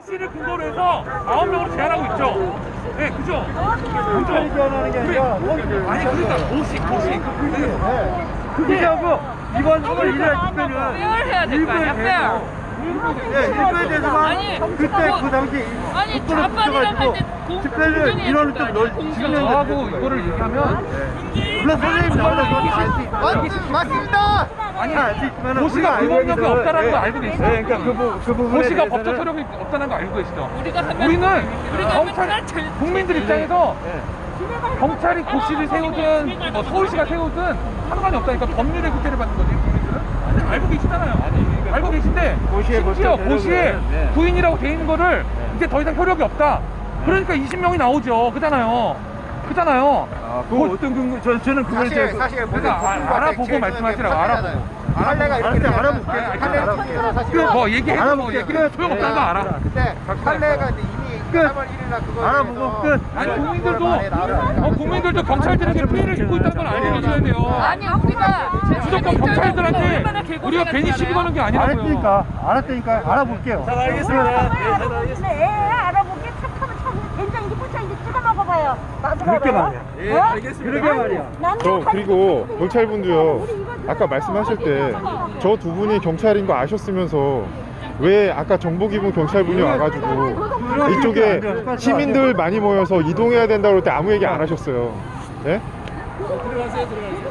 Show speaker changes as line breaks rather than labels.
고시를 근거로 해서 9명으로 제한하고 있죠. 네, 그죠? 그죠?
얘기하는 게 아니라
아니, 그러니까 고시.
그게 하고 이번 3월 1일 집회는
페어를 해야 될 거 아니야, 페어.
예, 일부에 대해서만
아니,
그때 그 당시
아니,
국도를
좌빨이랑 할 때
붙여가지고 집회를 이뤄는 좀 지금
저하고 이거를 얘기하면
물론 선생님 나오는 건 알수 있어요. 맞습니다.
아니, 고시가 불법력이 없다는 거 알고 계시죠?
네, 그러니까 그 부분에
고시가
대해서는
법적 효력이 없다는 거 알고 계시죠?
우리는
경찰, 국민들 입장에서 경찰이 고시를 세우든 뭐 서울시가 세우든 상관이 없다니까 법률의 구태를 받는 거지. 국민들은 알고 계시잖아요. 알고 계신데 심지어 고시에 부인이라고 돼 있는 거를 이제 더 이상 효력이 없다. 그러니까 20명이 나오죠. 그잖아요.
그 어떤 근거 저는 그걸 이제
그러니까 알아보고 말씀하시라고. 알아보고.
할래가 이렇게 알아볼게요.
뭐 얘기해도 뭐 얘기해도 소용없다는 거 알아.
근데 할래가 이제 이미 3월 1일날 그거
알아보고 끝.
아니 국민들도 경찰들에게 피해를 입고 있다는 걸 알고 계셔야 돼요.
아니, 우리가
무조건 경찰들한테 우리가 괜히 시비 거는 게 아니라고요.
알았으니까 알아볼게요.
잘 알겠습니다. 애 알아보게 착하면 참 된장인지 고추장인지 찍어 먹어봐요. 맛을
그렇게
알아요?
말이야.
예,
알겠습니다. 그렇게 말이야.
그리고 경찰분도요, 아까 말씀하실 때 저 두 분이 경찰인 거 아셨으면서 왜 아까 정보기본 경찰분이 와가지고 이쪽에 시민들 많이 모여서 이동해야 된다고 할 때 아무 얘기 안 하셨어요. 예?
들어가세요.